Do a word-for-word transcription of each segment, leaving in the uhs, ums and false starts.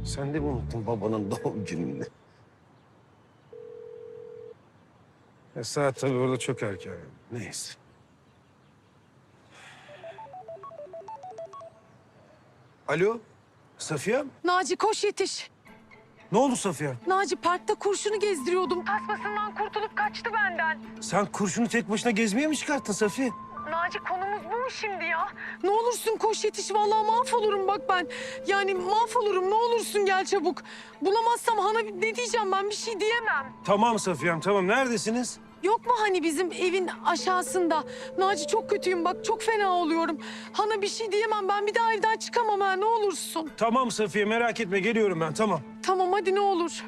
Sen de mi unuttun babanın doğum gününü? Ya saat tabii orada çok erken. Neyse. Alo, Safiye? Naci koş yetiş. Ne oldu Safiye? Naci parkta kurşunu gezdiriyordum. Tasmasından kurtulup kaçtı benden. Sen kurşunu tek başına gezmeye mi çıkarttın Safiye? Naci konumuz bu mu şimdi ya? Ne olursun koş yetiş. Vallahi mahvolurum bak ben. Yani mahvolurum. Ne olursun gel çabuk. Bulamazsam Han'a ne diyeceğim ben bir şey diyemem. Tamam Safiye'm, tamam. Neredesiniz? Yok mu hani bizim evin aşağısında? Naci çok kötüyüm bak çok fena oluyorum. Han'a bir şey diyemem ben bir daha evden çıkamam ha ne olursun. Tamam Safiye, merak etme. Geliyorum ben, tamam. Tamam hadi ne olur.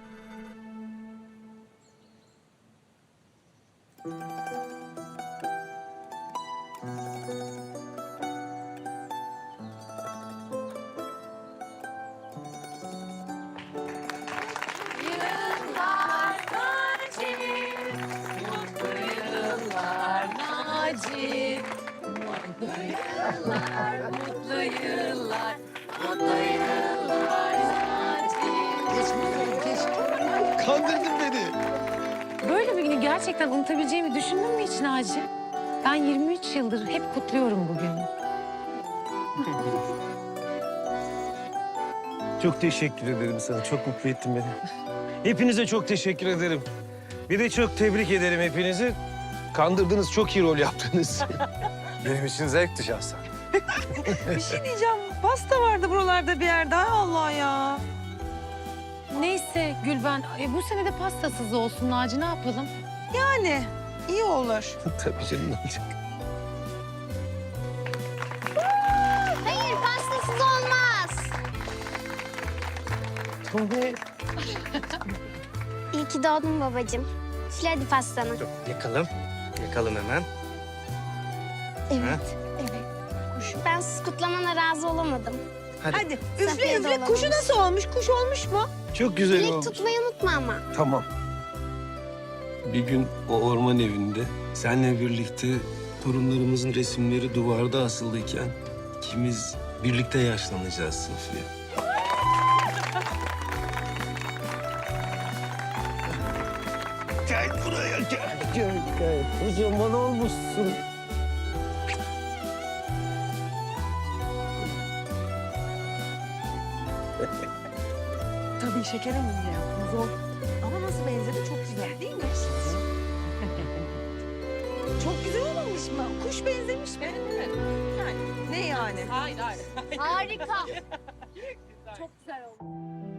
Naci, mutlu yıllar, mutlu yıllar, mutlu yıllar Naci. Kandırdın beni. Böyle bir günü gerçekten unutabileceğimi düşündün mü hiç Naci? Ben yirmi üç yıldır hep kutluyorum bugünü. Çok teşekkür ederim sana. Çok mutlu ettin beni. Hepinize çok teşekkür ederim. Bir de çok tebrik ederim hepinizi. Kandırdınız, çok iyi rol yaptınız. Benim için zevkti şahsen. Bir şey diyeceğim. Pasta vardı buralarda bir yerde. Hay Allah ya. Neyse Gülben, e, bu sene de pastasız olsun Naci ne yapalım? Yani iyi olur. Tabii canım, ne olacak? Hayır, pastasız olmaz. Tabii. İyi ki doğdun babacığım. Üfle hadi pastanı. Yakalım. Yakalım hemen. Evet, evet. Kuş. Ben siz kutlamana razı olamadım. Hadi. Hadi üfle Safiye de üfle. olamaz. Kuşu nasıl olmuş? Kuş olmuş mu? Çok güzel Dilek olmuş. tutmayı unutma ama. Tamam. Bir gün o orman evinde seninle birlikte torunlarımızın resimleri duvarda asılıyken ikimiz birlikte yaşlanacağız Safiye. Gel buraya gel, gel, gel. Kocaman olmuşsun. Tabii şeker önünde yaptım. Zor. Ama nasıl benzedi? Çok güzel değil mi? Çok güzel olmamış mı? Kuş benzemiş mi? Evet. Yani ne yani? Harika. Çok güzel oldu.